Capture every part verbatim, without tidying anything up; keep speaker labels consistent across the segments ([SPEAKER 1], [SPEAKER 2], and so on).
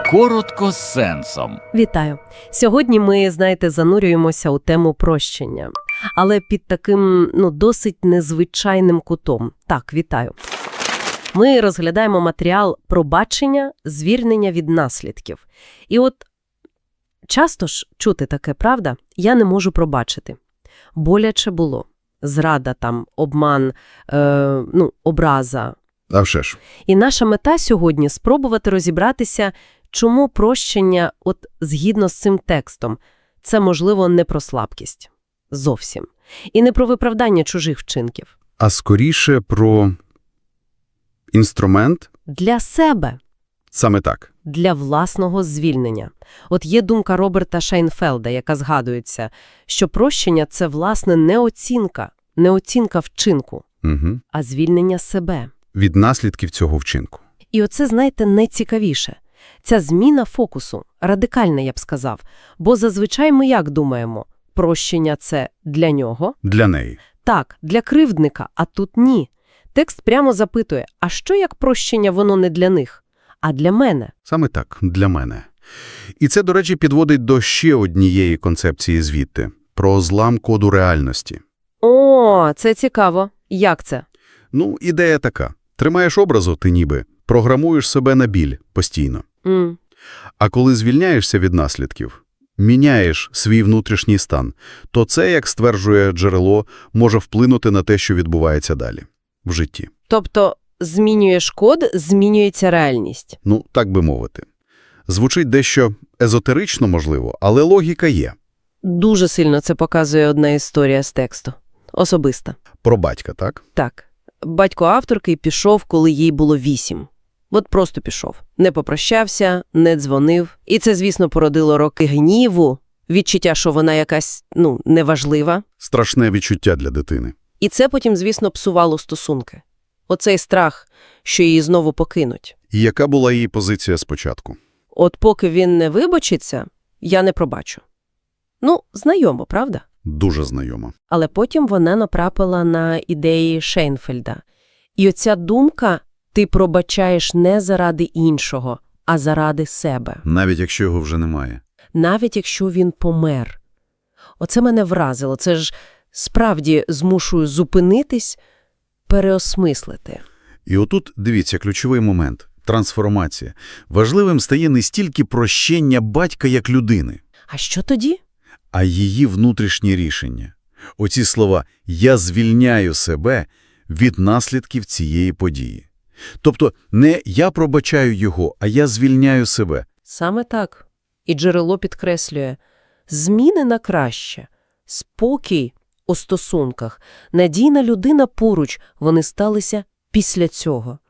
[SPEAKER 1] Коротко з сенсом.
[SPEAKER 2] Вітаю! Сьогодні ми, знаєте, занурюємося у тему прощення. Але під таким, ну, досить незвичайним кутом. Так, вітаю. Ми розглядаємо матеріал пробачення, звільнення від наслідків. І от часто ж чути таке, правда? Я не можу пробачити. Боляче було. Зрада там, обман, е, ну, образа.
[SPEAKER 3] А вже ж.
[SPEAKER 2] І наша мета сьогодні – спробувати розібратися, чому прощення, от згідно з цим текстом, це, можливо, не про слабкість. Зовсім. І не про виправдання чужих вчинків.
[SPEAKER 3] А скоріше про інструмент?
[SPEAKER 2] Для себе.
[SPEAKER 3] Саме так.
[SPEAKER 2] Для власного звільнення. От є думка Роберта Шайнфелда, яка згадується, що прощення – це, власне, не оцінка, не оцінка вчинку,
[SPEAKER 3] Угу.
[SPEAKER 2] а звільнення себе.
[SPEAKER 3] Від наслідків цього вчинку.
[SPEAKER 2] І оце, знаєте, найцікавіше. Ця зміна фокусу, радикальна, я б сказав. Бо зазвичай ми як думаємо? Прощення – це для нього?
[SPEAKER 3] Для неї.
[SPEAKER 2] Так, для кривдника, а тут ні. Текст прямо запитує, а що як прощення воно не для них, а для мене?
[SPEAKER 3] Саме так, для мене. І це, до речі, підводить до ще однієї концепції звідти – про злам коду реальності.
[SPEAKER 2] О, це цікаво. Як це?
[SPEAKER 3] Ну, ідея така. Тримаєш образу, ти ніби, програмуєш себе на біль постійно.
[SPEAKER 2] М.
[SPEAKER 3] А коли звільняєшся від наслідків, міняєш свій внутрішній стан, то це, як стверджує джерело, може вплинути на те, що відбувається далі в житті.
[SPEAKER 2] Тобто змінюєш код, змінюється реальність.
[SPEAKER 3] Ну, так би мовити. Звучить дещо езотерично, можливо, але логіка є.
[SPEAKER 2] Дуже сильно це показує одна історія з тексту. Особиста.
[SPEAKER 3] Про батька, так?
[SPEAKER 2] Так. Батько авторки пішов, коли їй було вісім. От просто пішов. Не попрощався, не дзвонив. І це, звісно, породило роки гніву, відчуття, що вона якась, ну, неважлива.
[SPEAKER 3] Страшне відчуття для дитини.
[SPEAKER 2] І це потім, звісно, псувало стосунки. Оцей страх, що її знову покинуть.
[SPEAKER 3] І яка була її позиція спочатку?
[SPEAKER 2] От поки він не вибачиться, я не пробачу. Ну, знайомо, правда?
[SPEAKER 3] Дуже знайома.
[SPEAKER 2] Але потім вона натрапила на ідеї Шейнфельда. І оця думка «ти пробачаєш не заради іншого, а заради себе».
[SPEAKER 3] Навіть якщо його вже немає.
[SPEAKER 2] Навіть якщо він помер. Оце мене вразило. Це ж справді змушує зупинитись, переосмислити.
[SPEAKER 3] І отут, дивіться, ключовий момент – трансформація. Важливим стає не стільки прощення батька як людини,
[SPEAKER 2] А що тоді?
[SPEAKER 3] а її внутрішнє рішення. Оці слова «я звільняю себе» від наслідків цієї події. Тобто не «я пробачаю його», а «я звільняю себе».
[SPEAKER 2] Саме так. І джерело підкреслює. Зміни на краще. Спокій у стосунках. Надійна людина поруч. Вони сталися після цього.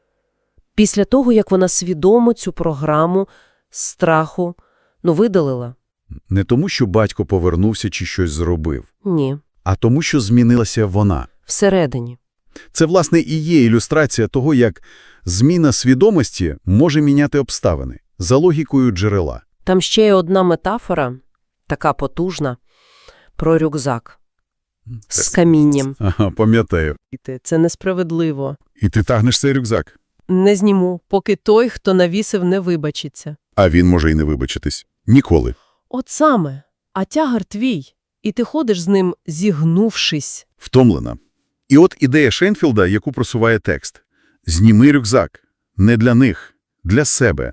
[SPEAKER 2] Після того, як вона свідомо цю програму страху, ну, видалила.
[SPEAKER 3] Не тому, що батько повернувся чи щось зробив,
[SPEAKER 2] Ні.
[SPEAKER 3] а тому, що змінилася вона.
[SPEAKER 2] Всередині.
[SPEAKER 3] Це, власне, і є ілюстрація того, як зміна свідомості може міняти обставини за логікою джерела.
[SPEAKER 2] Там ще є одна метафора, така потужна, про рюкзак з камінням.
[SPEAKER 3] Ага, пам'ятаю.
[SPEAKER 2] Це несправедливо.
[SPEAKER 3] І ти тягнеш цей рюкзак.
[SPEAKER 2] Не зніму, поки той, хто навісив, не вибачиться.
[SPEAKER 3] А він може й не вибачитись. Ніколи.
[SPEAKER 2] От саме. А тягар твій. І ти ходиш з ним, зігнувшись.
[SPEAKER 3] Втомлена. І от ідея Шейнфелда, яку просуває текст. Зніми рюкзак. Не для них. Для себе.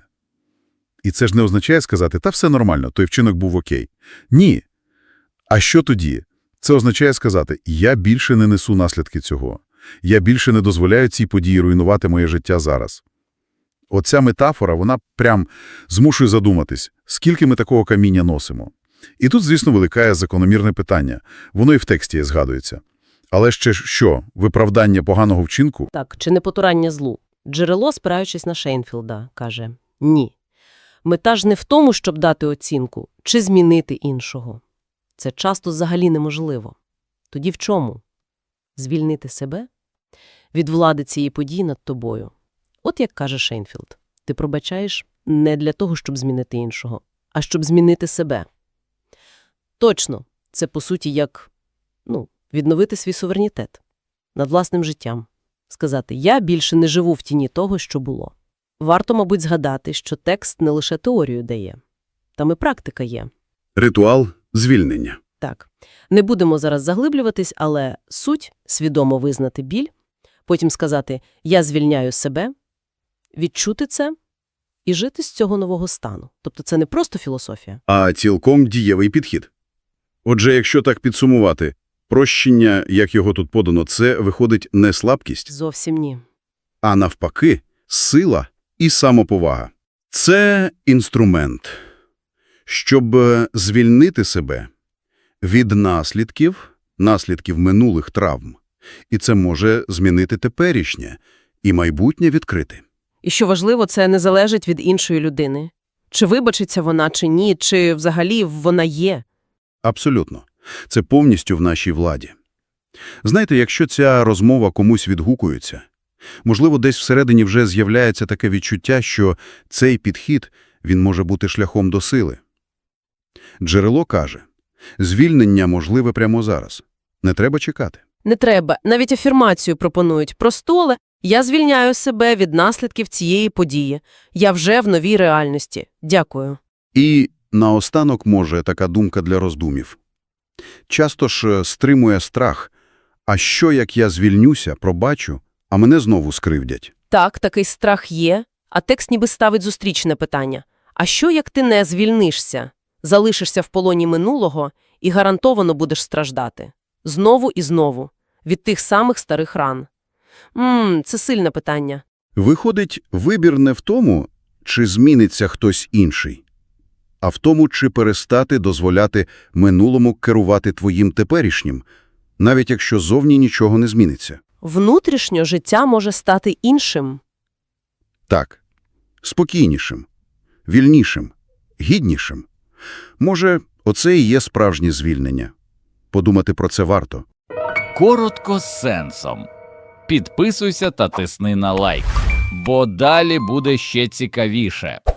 [SPEAKER 3] І це ж не означає сказати, та все нормально, той вчинок був окей. Ні. А що тоді? Це означає сказати, я більше не несу наслідки цього. Я більше не дозволяю цій події руйнувати моє життя зараз. Оця метафора, вона прям змушує задуматись, скільки ми такого каміння носимо. І тут, звісно, виникає закономірне питання. Воно і в тексті згадується. Але ще що, виправдання поганого вчинку?
[SPEAKER 2] Так, чи не потурання злу? Джерело, спираючись на Шейнфелда, каже «ні». Мета ж не в тому, щоб дати оцінку, чи змінити іншого. Це часто взагалі неможливо. Тоді в чому? Звільнити себе? Від влади цієї події над тобою. От як каже Шейнфелд, ти пробачаєш не для того, щоб змінити іншого, а щоб змінити себе. Точно, це по суті як, ну, відновити свій суверенітет над власним життям. Сказати, я більше не живу в тіні того, що було. Варто, мабуть, згадати, що текст не лише теорію дає. Там і практика є.
[SPEAKER 3] Ритуал звільнення.
[SPEAKER 2] Так, не будемо зараз заглиблюватись, але суть – свідомо визнати біль, потім сказати «я звільняю себе», відчути це і жити з цього нового стану. Тобто це не просто філософія.
[SPEAKER 3] А цілком дієвий підхід. Отже, якщо так підсумувати, прощення, як його тут подано, це виходить не слабкість,
[SPEAKER 2] Зовсім ні.
[SPEAKER 3] а навпаки сила і самоповага. Це інструмент, щоб звільнити себе від наслідків, наслідків минулих травм. І це може змінити теперішнє і майбутнє відкрити.
[SPEAKER 2] І що важливо, це не залежить від іншої людини. Чи вибачиться вона, чи ні, чи взагалі вона є.
[SPEAKER 3] Абсолютно. Це повністю в нашій владі. Знаєте, якщо ця розмова комусь відгукується, можливо, десь всередині вже з'являється таке відчуття, що цей підхід, він може бути шляхом до сили. Джерело каже, звільнення можливе прямо зараз. Не треба чекати.
[SPEAKER 2] Не треба. Навіть афірмацію пропонують. Просту, але «я звільняю себе від наслідків цієї події. Я вже в новій реальності. Дякую».
[SPEAKER 3] І наостанок, може, така думка для роздумів. Часто ж стримує страх. А що, як я звільнюся, пробачу, а мене знову скривдять?
[SPEAKER 2] Так, такий страх є, а текст ніби ставить зустрічне питання. А що, як ти не звільнишся? Залишишся в полоні минулого і гарантовано будеш страждати. Знову і знову. Від тих самих старих ран. Ммм, це сильне питання.
[SPEAKER 3] Виходить, вибір не в тому, чи зміниться хтось інший, а в тому, чи перестати дозволяти минулому керувати твоїм теперішнім, навіть якщо зовні нічого не зміниться.
[SPEAKER 2] Внутрішньо життя може стати іншим.
[SPEAKER 3] Так, спокійнішим, вільнішим, гіднішим. Може, оце і є справжнє звільнення. Подумати про це варто.
[SPEAKER 1] Коротко з сенсом. Підписуйся та тисни на лайк, бо далі буде ще цікавіше.